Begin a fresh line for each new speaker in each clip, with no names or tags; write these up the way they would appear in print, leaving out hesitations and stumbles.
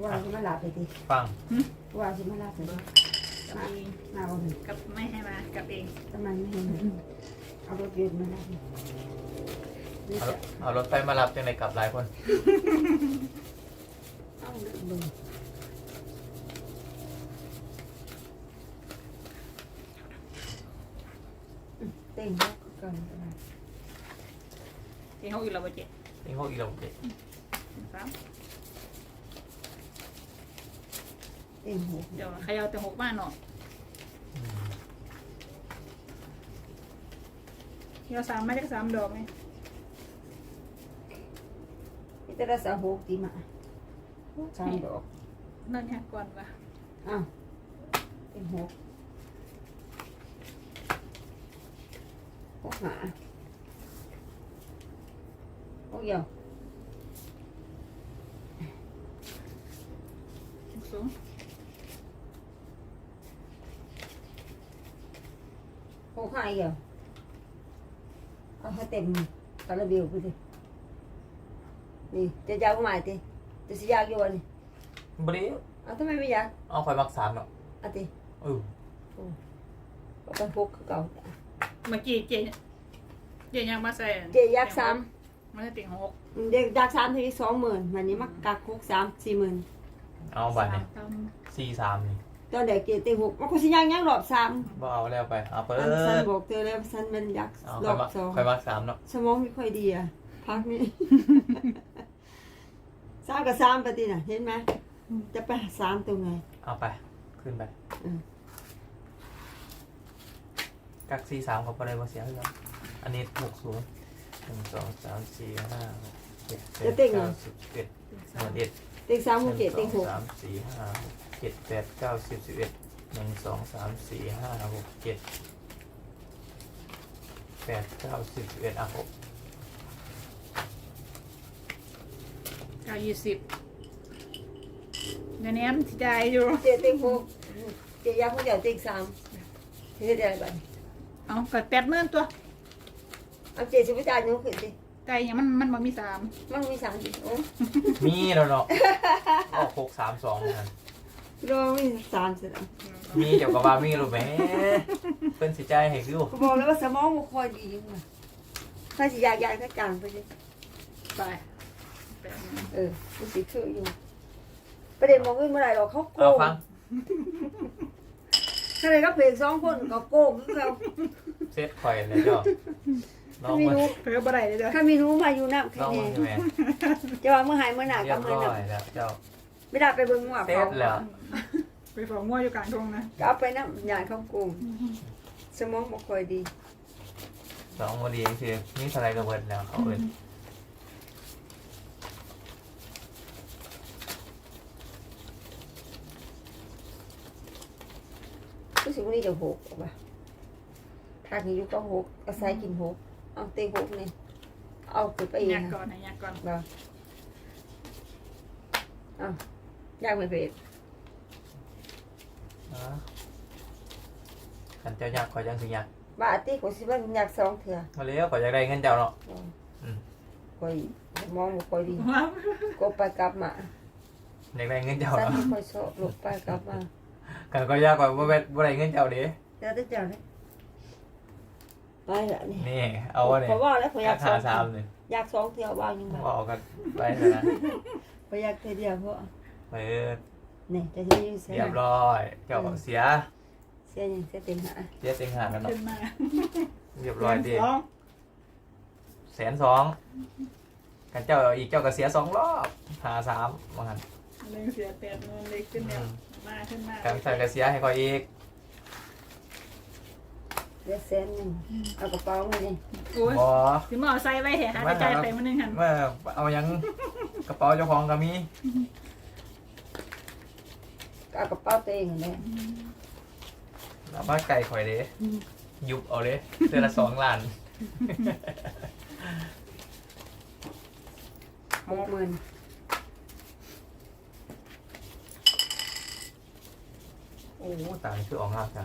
ว่าจะมาหลับไปดิ
ฟัง
ว่าจะมาหลับไปดิ
กับเอง
มาวันนี้
กับไม่ให้มากับเอง
ทำไมไม่เห็นเอารถยนต์มาหลับนี่จะ
เอารถไฟมารับจังไรกลับหลายคน
เอาเรื่องบึงเต่งแล้วก็ก่อนก็ได้
ที่เขาอยู่เราบ่เจ็ด
นี่เขาอีกแล้วเด็ก
สาม
เต่งหก
เดี๋ยวใครเอาแต่หกบ้านเนาะที่เราสามไม่ได้สามดอกไหม
นี่จะได้สาวหกตีมาสามดอก
นั่นเนี่ยก่อนว่ะ
อ้าวเต่งหกหกหาหกเดียว
สูง
หกห้าเดียวเอาให้เต็มคาราเบลไปสินี่จะยาวใหม่ติจะสิยากอยู่อันนี้
บริว
เอาทำไมไม่อยาก
เอาคอยมักสามเนาะ
เอาติ
เออ
เอาไปหกคือเก่า
เมื่อกี้เจยังมาใส่
เจอยากสาม
มันจะติ่งหก
เด็กอยากสามที20,000วันนี้มักกักหกสาม40,000
เอาบัตรนี่
สาม
43นี่
ตอนเด็กเจเต็งหกมันก็สิยากยังรอบสาม
บ่เอาแล้วไปเอาเปิด
สันบอกเธอแล้วสันมันอยาก
เอา
ร
คอ
อย บ
มัก
สอง
คอยมักสามเนาะ
สมองไม่ค่อยดีอ่ะพักนี้ สามกับสามปฏิน่ะเห็นไหมจะไปหาสามตรงไหน
เอาไปขึ้นไป
อืม
กัก43เขาไปได้บ่เสียแล้วอันนี้60 1 2 3 4 5 6 7 8 9 10 11 11
เต็งสามหกเจ็ดเต็งหก
3 4 5 6 7 8 9 10 11 1 2 3 4 5 6 7 8 9 10 11อ่ะ6
เก้า20เดี๋ยวนี้มันสิได้อยู่
เจเต็งหกเจยากคนเดียวเต็งสามเฮ็ดได้บ้าง
เอาเกิด80,000ตัว
เอาเจสิบจ่ายนู้นขึ้นสิ
ไก่ยังมันบ่มีสาม
มันมีสามสิโอ้
มีแล้วเนาะออก632เหมือนกัน
รอมีสามสิแล้ว
มีเดี๋ยวกับว่ามีรู้ไหมเพิ่นสิใจายให้คือ
ก็บอกแล้วว่าสมองมันคอยดีอยู่มาถ้าสิอยากถ้ากลางไปสิ
ไป80,000
มันสิคืออยู่ประเด็นมองขึ้นเมื่อไหร่หรอกเขาโก
เอา
ง
ฟัง
ถ้าเลยก็เพลง2คนก็โกงคือเขา
เซตข่อยแล้วเจ้าน้อง
ถ้ามี
มา
หนู
เพิ่มบ่ได้เลยเด้อ
ถ้ามีหนูมาอยู่น้ำแค่
น้อง
นี้
มาใช่ไหม
จะว่าเมื่อหายเมื่อหนา
เรี
ก็
ยบ
เมื่อ
ร้
ห
อ
นั
ยแล้วเจ้า
ไม่ได้ไปเบิ่งว่า
เสร็
เขา
จแล้ว
ไปฝากงัวอยู่กลางทงนะ
ก็เอาไปน้ำยายเขาโกงสมองบ่ค่อยดี
สองวันดีคือมีสไลด์ระเบิดแล้วเขาเอิ้น
รู้สึกว่านี่จะหกป่ะถ้ากินอยู่ก็หกอาศัยกินหกเอาเตะหกนี่เอาขึ้นไปเอง
ยักก่อนนะยักก่อน
บ่เอายากไม่เผ็ด
นะขันเจ้าอยากข่อยจังสิอยาก
บาติขอยสิว่าอยาก2เทื่อ
มาเลี้ยวข่อยอยากได้เงินเจ้าเนาะอืม
ค่อยมองบ่ค่อยดี
ว้าว
ก็ไปกลับมา
อยากได้เงินเจ้า
สัน
เนาะ
ที่ค่อยชอบลงไปกลับมา
กันก็อยากข่อยบ่ได้เงินเจ้าเด้
เดี๋ยวจะเจ้าเลยไปละนี่
นี่เอาวะเนี่ย
ขอว่าแล้วขอยอยาก
ราคา
2
3นี่
อยาก2เทื่อว่ายังไง
บ่เอากันไปแล้วนะ
ขอยอยากเทื่อเดียวเพราะ
เปิด
นี่จะสิอยู่เสีย
เรียบร้อยเจ้าเสีย
เสียยังเสียเต็มหา
เสียเต็งหาแล้วเนาะ
ขึ้นมา
เรียบร้อยดิ
สอง
120,000กันเจ้าอีกเจ้าก็เสีย2รอบ53ว่างั้น
หนึ่งเสีย80,000เล็กขึ้นแล้วมาขึ้นมา
กันใส่ก็เสียให้ข่อยอีก
เดี๋ยวแสนหนึงเอากระเป๋ามานี่
โอ้ย
บ่
สิมาเอาใส่ไว้แหะหาใจไปมื้อนึงหั่น
เมื่อเอายังกระเป๋าเจ้าของก็มี
เอากระเป๋าตัวเองนั่นแหละ
เอามาไก่ข่อยเด้ยุบเอาเลยเดือนละ2 ล้าน
60,000
โอ้ตายคือออกงากจ้ะ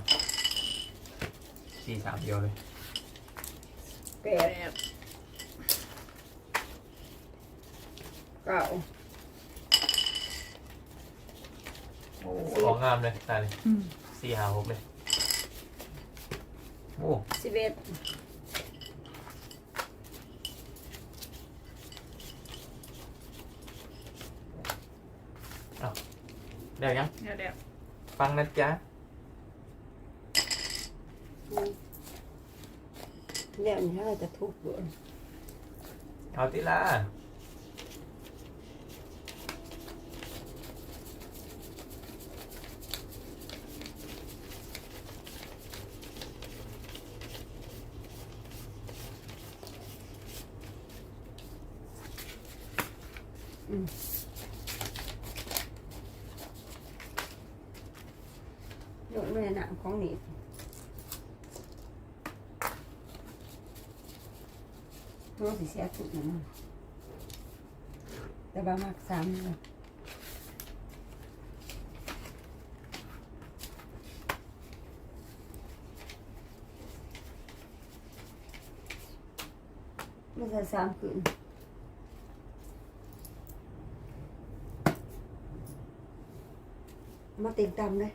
4-3เดียวเลย
8
แปด
9
โอ้ของงามเลยตาเลย
อืม
สี่หาหกเลยโอ้
11
เดี๋ยวยัง
เดี๋ยว
ฟังนะจ๊ะ
เนี่ยนี่เราจะทุบบ่
เอาติละ
โดนแม่หนังของหนีบตัวสิเสียทุกอย่างมันแต่บางมาก3เลยมันจะ3คืนมาติ่งตำเลย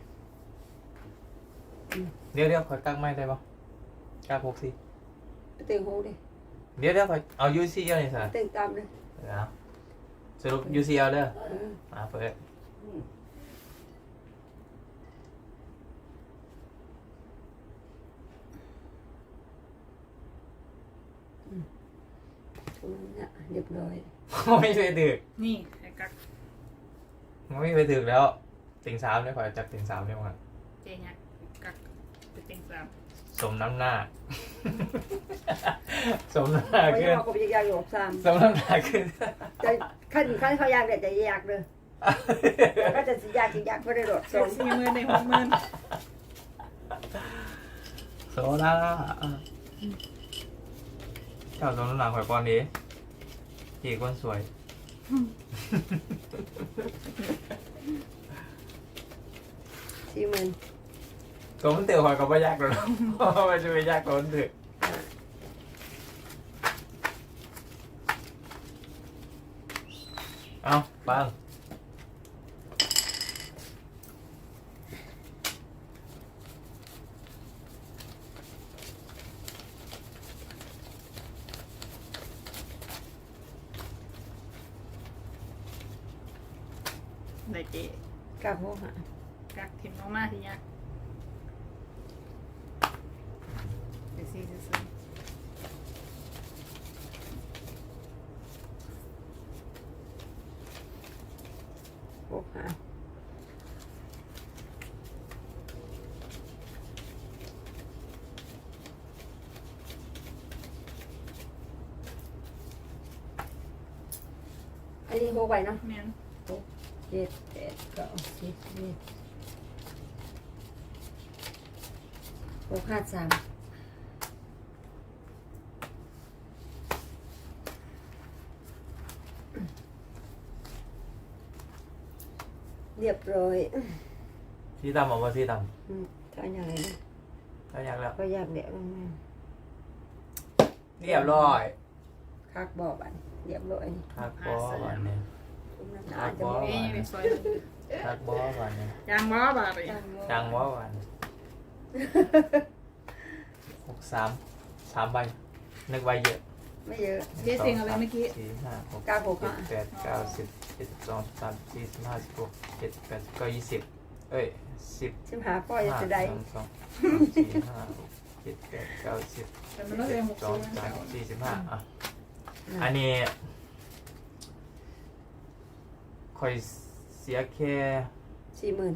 เดี๋ยวคอยกักไม่ได้ปะกักหกสี่
ติ่งหูดิ
เดี๋ยวคอยเอา UCL นี่สิ
ติ่งตำเลย
เอาสรุป UCL เด้อ
เออ
มาเปิด
ทุนน่ะเรียบร้อย
ไม่เคยถึก
นี่ไอ้กัก
ไม่เคยถึกแล้วติ่งสามเนี่ยคอยจับติ่งสามเนี่ยมัน
เจเนี่ยกักไปเต็งสาม
สมน้ำหน้า สมน้ำหน้า
เพราะ
ขึ้น
เขาก็อยากอยู่กับซ้ำ
สมน้ำหน้าขึ้น
จะขั้นเขาอยากเด็ดจะอยากเลยแล้วก็จะสิอยากไม่ได้โดด
เจ
ส่ง
40,000ใน60,000
โซดาเจ้าสมน้ำหน้าคอยปอนดีจีคนสวย
40,000
ตัวมันเตือคอยก็ไม่ยากหรอกมันจะไม่ยากตัวมันเตือเอาฟัง
ได้เจ
กับหัวหา
กักถิ่มมากๆทีเนี้ยเดี๋ยวซื้อ
หัวหาอันนี้หัวไว้เนาะ
แม่น
7 8 9 10 11หัวขาด3เรียบร้อย
สีดำออกมาสีด
ถ้าอย่างไรนะ
ำถ้าอยากแล้ว
ก็อยากเดี๋ยวมัน
เรียบร้อย
คักบ่อบันเรียบร้อยนี่
ทักบอวันนี้
คุณน้ำหนาจะบ่
เอ้ยไปซอย
ทักบอวันนี้
ยางบ่บาดเลย
จังบอวัน63 3 ใบนึกใบเยอะ
ไม่เยอะ
เจ๊เซ็งอะไรเมื่อกี้
4 5 6
เก้าหก
7 8 9 10 11 12 13 14 15 16 17 18 19 20เอ้ย10
ชิมหาพ่อจะได้
1 2 3 4 5 6 7 8 9 10
แต่มันต้องเรียน
12
60
13 45อ่ะอันนี้คอยเสียแค่
40,000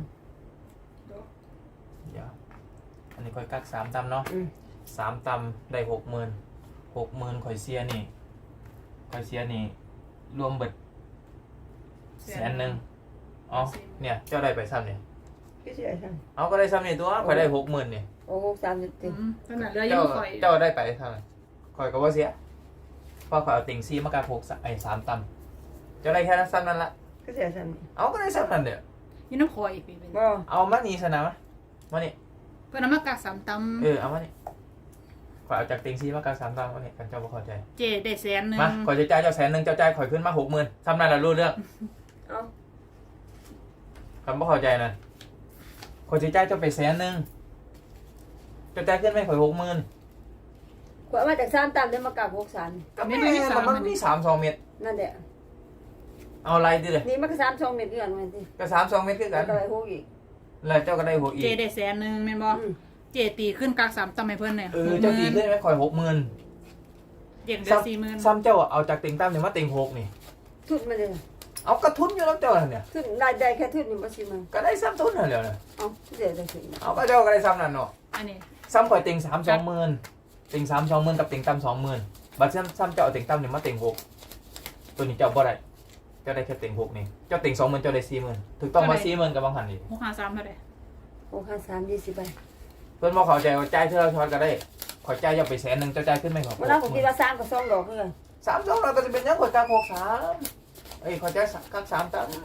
เดี๋ยวอันนี้คอยกัก3 ตำเนาะ 3 ตำได้ 60,000ข่อยเสียนี่ข่อยเสียนี่รวมเบิด100,000อ๋อเนี่ยเจ้าได้ไปซ้ำเนี่ย
พี่เสียฉัน
เอาก็ได้ซ้ำนี่ตัวข่อยได้60,000นี่
โอ้โห30
อื
ติ
มขนาดเรือยั
เจ้าง
ข่อย
เจ้าได้ไปเท่าไหร่ข่อยก็ว่าเสียเพราะข่อยเอาติ่งซี่มากา3 ตำเจ้าได้แค่นั้นซ้ำนั่นละ
พี่เสียฉัน
เอาก็ได้ซ้ำนั่นเดี๋ยว
ยี่น้ำข่อยปีเป็น
บ่
เอามานี่สนะมานี่
เพื่อนน้ำมากา3 ตำ
เอามานี่ข่อยเอาจากติ่งซี่มากา3 ตำมานี่กันเจ้าบ่เข้าใจ
เจได้100,000
มาข่อยจะจ่ายเจ้า100,000เจ้าจ่ายข่อยขึ้นมา60,000ซ้ำนั่นละรู้เรื่อง
เอา
คำว่าเข้าใจนะคนที่จ่ายเจ้าไป100,000เจ้าจ่ายขึ้นไหมข่อย60,000
ขวดมาจาก3ตามได้มากาก63
ก็ไม่ได้มันมี3 2 เม็ด
นั่นแหละ
เอาอะไรดิเลย
นี่มันก็3 2เม็ดคือกันมันสิ
ก็3 2 เม็ดคือกั
แล้
น
วก็ไป6อีก
แล้วเจ้าก็ได้6อี
เจ
ก
ได้100,000แม่นบ่เจตีขึ้นกัก3ตำให้เพิ่นเนี่ย
เจ้าตีขึ้นไหมข่อย60,000
เด็กเดือน40,000
ซ้ำเจ้าเอาจากติ่งตั้มเนี่ยมาติ่ง6นี่
ทุนมันเลย
เอากระทุนอยู่แล้วเจ้าเนี่ย
ทุนได้แค่ทุนนี่บ่สิมัน
ก็ได้ซ้ำทุนนั่นแหละเนี่ย
เอ้าเดี๋ยวได้ทุน
เอาก็เจ้าก็ได้ซ้ำนั่นเนาะ
อันนี้
ซ้ำข่อยติ่ง3 20,000ติ่ง3 20,000กับติ่งตั้ม20,000บัดซ้ำเจ้าเอาติ่งตั้มเนี่ยมาติ่ง6ตัวนี้เจ้าบ่ได้เจ้าได้แค่ติ่ง6นี่เจ้าติ่ง20,000เจ้าได้40,000ถูกต้องมา40,000กับบางหันนี่
653เท่าใด
653 20ใบ
เพิ่นบ่เข้าใจว่าจ่ายเท่าเราช็อตก็ได้ข่อยจ่ายอย่าไป100,000เจ้าจ่ายขึ้นไหมครับ
วันนั้นผมคิดว่า3กับ2ดอกคือกัน
3 2เราก็จะเป็นยังข่อยจ่าย63ข่อยจ่ายกัก3ตั้ม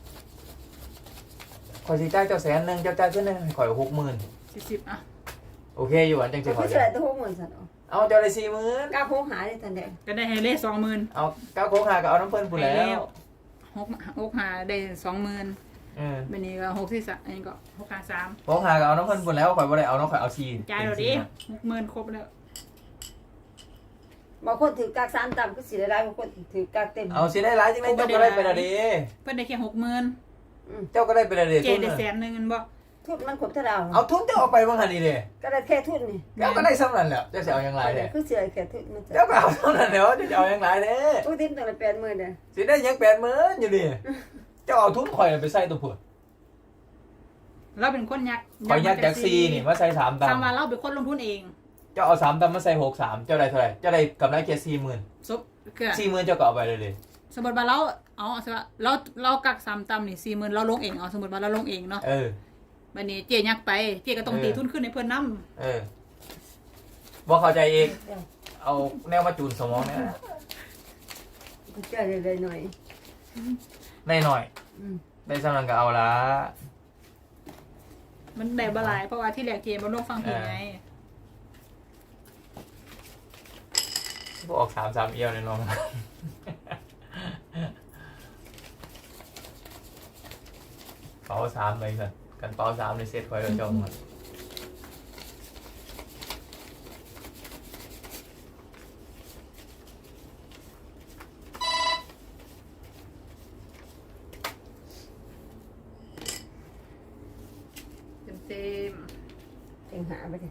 ข่อยสิจ่ายเจ้า100,000เจ้าจ่ายขึ้นได้ข่อย60,000
40อ่ะ
โอเคอยู่อันจังสิ
ก็
ข่อย
คือได้แต่60,000ซั่นเอา
เอาเจ้าได้40,000
กาโคงหาได้ทันได้
ก็ได้ให้เลข20,000
เอาก้าวโค้งหาก็เอาน้ำเพิ่นพูนแล้ว
6หาได้20,000 บันนี้ก็6ที่3อันนี้ก็653
โค้งหาก็เอาน้ำเพิ่นพูนแล้วข่อยบ่ได้เอาน้องข่อยเอาซี
จ่ายแล้วดิ60,000ครบแล้ว
บางคนถือกาก3ต่ำก็สิได้หลายบางคนถือกากเต็ม
เอาสิได้หลายจังได๋เจ้าก็ได้ไปละเด้
เพิ่นได้แค่60,000
เจ้าก็ได้ไปละเด้
เจ
ทุน
ได้
น่ะ
100,000นึงบ่
ทุนมันครบเท่าดาว
เอาทุนเจ้าเอาไปบ่หั่นนี่เด้
ก็ได้แค่ทุนนี่
เจ้าก็ได้ซ้ำนั่นแหละเจ้าสิเอาหยังหลายแท้
คือเสียแค่ทุนมัน
เจ้าก็เอาเท่านั้นแหล้วเจ้าจะเอาหยังหลายเด้
ตู้ดินตัวละ80,000เด้อ
สิได้หยัง80,000อยู่ดิเจ้าเอาทุนข่อยไปใส่ตัวพุ่น
เราเป็นคนยัก
ข่อยยักจากซีนี่มาใส่3ตั
ตามว่าเราเป็นคนลงทุนเอง
เจ้าเอา3ตัมาใส่63เจ้าได้เท่าไหร่เจ้าได้กำไรแค่40,000
ซบคือ
40,000เจ้าก็เอาไปเลยเด้
สมมติว่าสมมติว่าเรากัก3ตำนี่40,000เราลงเองเอาสมมติว่าเราลงเองเนาะ บัดนี้เจยักไปเจก็ต้องตีทุนขึ้นในเพิ่นนำ
บ่เข้าใจเองเอาแนวมาจูนสมองเนี่ย
ก็จะได้หน่อย
ได้หน่อยได้สำนันก็เอาละ
มันได้บ่หลายเพราะว่าที่แรกเจบ่ลงฟังผิดไง
พวกออก3 เอียวเลยน้องเป๋า3เลยกันกันเป๋า3ในเซตคอยเราจองมัน
เต็ม
เต็งหาไปดิ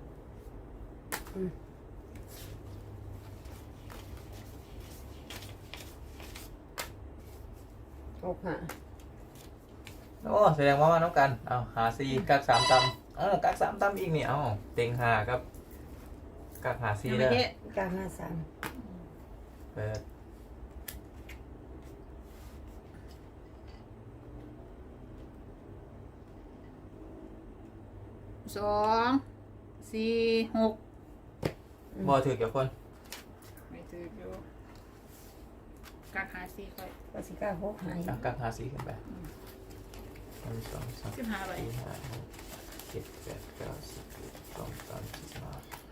6หา
โอ้แสดงว่ามาน้องกันเอาหาซีกัก3ตำกัก3ตำอีกนี่เอาเต็ง5ครับกักหาซี
ๆ
เลย
กาก53
เปิด
2 4 6
บ่ถือเกี่ยวคน
ไม่ถืออยู่กักหา4ค่อย
ก็สิกา6หา
กักหาซีขึ้นไป1 2 3
15ใบ
4 5 6 7 8 9 10 11 12 13 15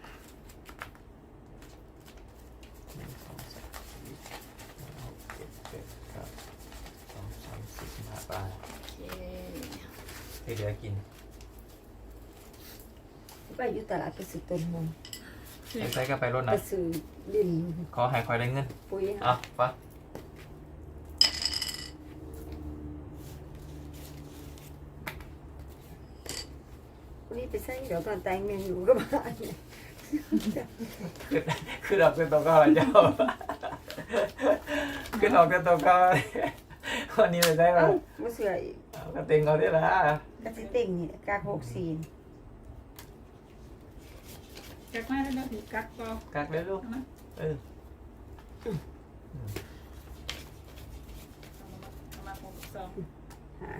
1 2 3 4 5 6 7 8 9 2 3 4 15ไป
โอเค
ให้เหลือกิน
ไปอยู่ตลาดไปซื้อต้นหอม
ไปใส่ก็ไปรถ
ไป
นะ
ซื้อดิน
ขอให้คอยได้เงิน
ปุ๋ย
อ่ะปะ
วันนี้ไปใส่เดี๋ยวตอนแต่งเมนูก็มาเนี่ย
คือดอกเป็นตัวก้อนเจ้าคือดอกเป็นตัวก้อนวันนี้ไปใส่มา
เอ้ามาเสืออีก
ก็เต็งเอาได้ละ
กระสิเต็งนี่กาก64
กักมาแล้วถือกักก็
กักได้ลูก
นะ
เออ
มา62
หา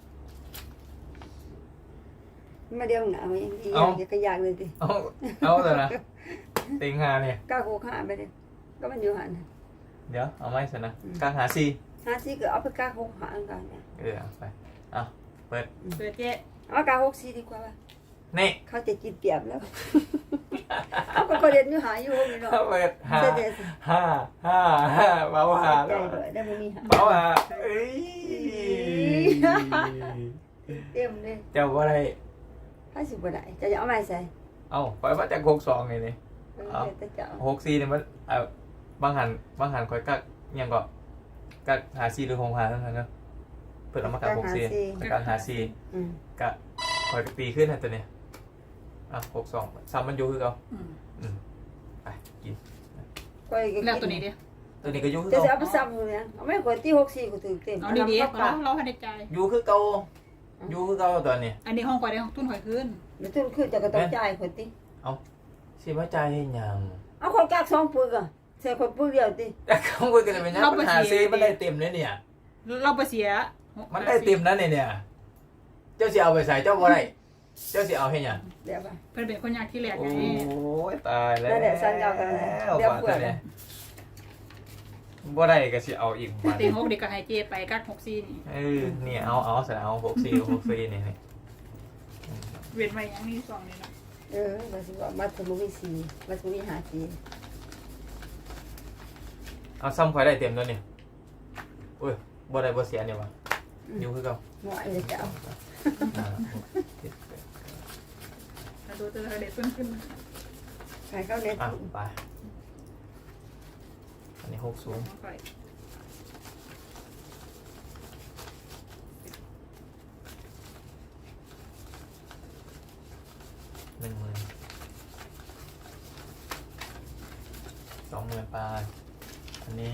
มาเดียวหนาวยังดีอยากกระยากเลยดิ
เอาแต่ละเต็งหาเนี่ย
กาก65ไปดิก็มันอยู่หัน
เดี๋ยวเอาไม่สินะกักหาซี
50ก็เอาไปกาก65กันเนี่ย
เอาไปเอาเปิด
เปิดเจ๊
เอากาก64ดีกว่าป่ะ
นี่
เขาจะกินเปรียบแล้วเอาก็เรียนอยู่หาอยู่นี่เนาะ
เปิด5
เสีย
5 5 5เบาหา
ใจ
แล้ว
ด้วยได้บ่มีหา
เบาหาเอ้ย
เต็มเลย
เจ้าว่าอะไร
50บ่ได้จะเอาไม้ใส่
เอ้าคอยว่าแต่62นี่นี่
เออแต่จะเอา
64นี่มันบางหันคอยกักยังก็กักหา4หรือ6หาเท่านั้นเนาะเปิดเอามากัก64กักหา4
อืม
กะคอยตีขึ้นนะตัวเนี้ย62ซ้ำมันอยู่คือเก่า
อืม
ไปกิน
ก้อยก็
แล้วตัวนี้ดิ
ตัวนี้ก็อยู่คือ
จะ
เก่า
เอาไปซ้ำอยู่เนี่ยเอาไม่กดที่64ก็ถึงเต็ม
เอาดีๆเราให้ในใจ
อยู่คือเก่าอยู่คือเก่าตัวนี้
อันนี้ห้องก่อนได้ห้องทุนข่อยขึ้น
เดี๋ยวทุนขึ้นจะก็ต้องจ่ายคนติ
สิมาจ่ายให้หยัง
เอาคนกัก2ปึกอ่ะใส่คนปึกเดียวติ
แต่เขาคุยกันเป็นยังปัญหาซีมันได้เต็มเลยเนี่ย
เราไปเสีย
มันได้เต็มนะเนี่ยเจ้าสิเอาไปใส่เจ้าบ่ได้เจ้าสิเอาให้หยัง
เดี๋ยวไป
เพิ่นเป็นคนยากที่แหลก
โอ้
ไง
ยตายแล้ว
นั่นแหละสั่งเอากันเดี๋ยวเผื่อ
เนี่ยบ่ได้ก็สิเอาอีกมา
เต็ง6เด็กก็ให้เจไปกัก64นี่
นี่เอาใส่เอา64นี่
เว้นไว้อย่างนี้2นี่นะ
มาสิว่ามาสมุวิสีมาสมุวิหาสี
เอาซ้ำข่อยได้เต็มตัวนี่อุ้ยบ่ได้บ่เสียนี่วะอยู่คือเก่า
หมอเลยจะเอา
ถ้าดูตัวเด็กต้นขึ้น
ใครเขาเน็ต
ไปอันนี้6สูง
ข่อย
10,000 20,000ไปอันนี้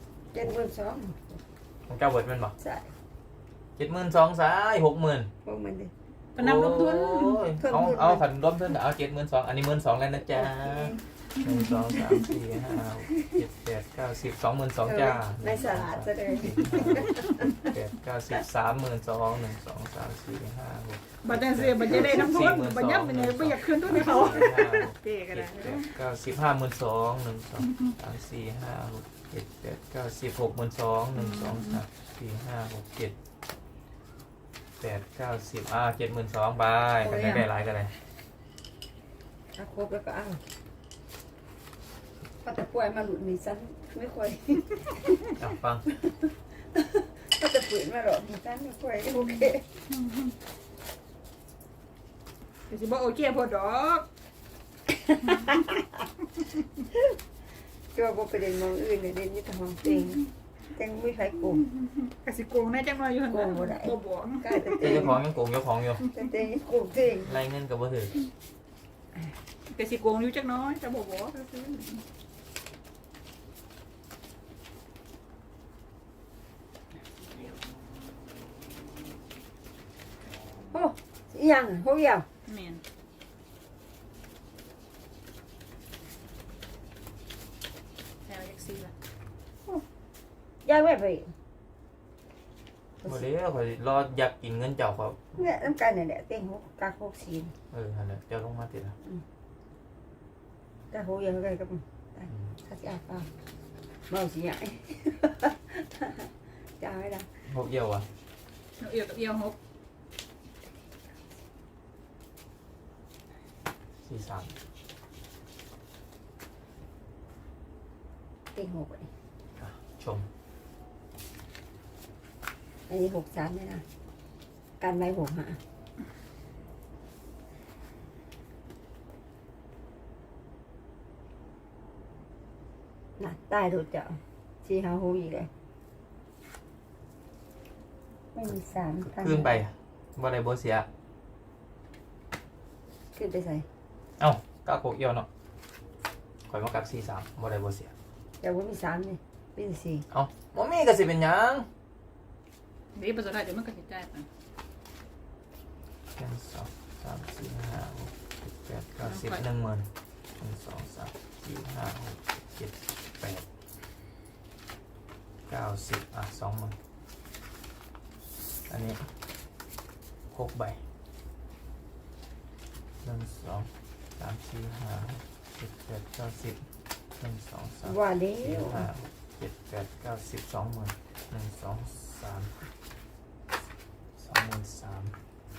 72,000
ของเจ้าเบิดแม่นบ่
ใช่
72,000ซ้าย60,000
พวกมันดิ
พนันลงทุน
เอาขันร่วมทุนเอา72,000อันนี้12,000แล้วนะจ๊ะ1 2 3 4 5 6 7 8 9 10 22,000จ้า
ในสลัดจะได้
8 9 10 32,000 1 2 3 4 5 6
บัตรเสียบัตรจะได้น้ำทุนบัตรยับเป็นไงไม่อยากคืนทุนให้เขาเจ๊ก็ได้
7 8 9 10 52,000 1 2 3 4 5 6 7 8 9 10 62,000 1 2 3 4 5 6 7 8 9 10 72,000ไปกันได้หลายกันเลย
ถ้าครบแล้วก็เอาพอจะป่วยมาหลุดมีสั้นไม่ค่อย
ฟัง
ก็จะฝืนมาหรอกมีสั้นไม่ค่อยโอเค
เดี๋ยวสิบอกโอเคพอดอก
ก็ว่าไปเด่นมองอื่นเลยเด่นนี่แต่ของเต็งเต็งไม่ใครกลุ่ม
กสิโกงแน่จังเลยอยู่หั่นบ่บอก
กล้าแต่เต็ง
เจ้าของยังโกงเจ้าของอยู่
แต่เต็งกลุ่มเต็ง
ไล่เงินกับบ่ถือก
สิโกงอยู่จักน้อยจะบอก
โอ้ยังพวกยัง
แม่นแถวจักซี่ล่ะ
ยังไม่ไป
บ่ได้ข่อยรออยากกินเงินเจ้าครับ
เนี่ยน้ำกันเนี่ยแหละเต็งหกกาหกสี
นั่นแหละเจ้าลงมาติละ
กาหกยังไงกับถ้าจะเอาเมาสีใหญ่จะเอาไม่ได้
พวกเยี่ยวอ่ะ
เอียวกับเอียวหก
43
เต็งหกเลย
ชม
อันนี้63เลยนะการไว้65น่ะตายโดดเจ้าชีหาหูอีกเลยไม่มี3
ขึ้นไปบ่ได้บ่เสีย
ขึ้นไปใส่
เอ้าก้าโคกเอี่ยวเนาะข่อยมากัก43บ่ได้บ่เสีย
แต่ว่ามี3นี่มีสี่
เอ้าบ่มีก็สิเป็นหยัง
เดี๋ยวประสบได้เดี๋ยวมันก็สิจ่ายไป
1 2 3 4 5 6 7 8 9 10 10,000 1 2 3 4 5 6 7 8 9 1020,000อันนี้6ใบ1 2 3 4 5 6 7 8 9 10 1 2 3
ว่าแล้
4
ว
5 6 7 8 9 10 20,000 1 2 3 23,000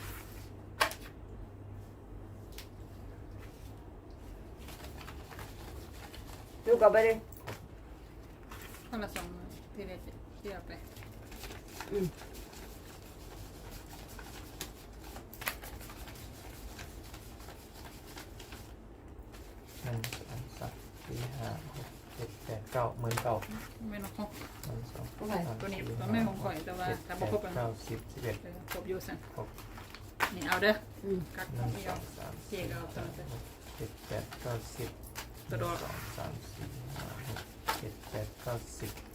ดูกลับไปเลย
คนละ2มื้อที่ได้เสียไป
เก้าหมื่นเก้า
ไม่น้องของ
หนึ่งสอง
ของใคร
สาม
ตัวนี้
สี่
ตัวแม่ของข่อยแต่ว่า
เจ็ด
ถ้า
แป
บ่
ด
ครบกัน
เก้าสิบสิบเอ็ด
ครบอยู่สั่น
ครบ
นี่เอาเด้อ
อืม
กัก
ห
ขอ
นึ่
ง
ง
พี่
ส
เอา
องสาม
เจ๊
สี่
ก็เอาตัว
ห้า
นั้น
หกเจ็ดแปดเก้าสิบ
ตัวดอก
หนึ่งสองสามสี่ห้าหกเจ็ดแปดเก้าสิบ